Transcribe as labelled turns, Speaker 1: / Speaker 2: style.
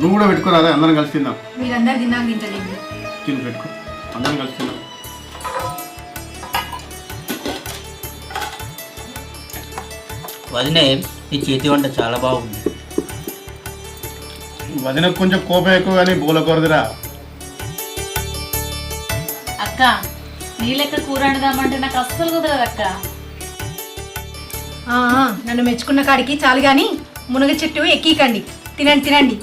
Speaker 1: నువ్వు కూడా పెట్టుకోరాదా? అందరం కలిసి తిందాం.
Speaker 2: మీరందరు తిన్నాక తింటలేండి.
Speaker 1: తిని పెట్టుకో, అందరం కలిసి తిందాం.
Speaker 3: వదినే, నీ చేతి వంట చాలా బాగుంది.
Speaker 1: వదినకు కొంచెం కోపం ఎక్కువ కానీ బోలకూరదురా.
Speaker 4: అక్క నీ లెక్క కూర వండుదామంటే నాకు అస్సలు కుదరదు అక్క.
Speaker 2: నన్ను మెచ్చుకున్న కాడికి చాలు గాని మునగ చెట్టు ఎక్కికండి. తినండి తినండి.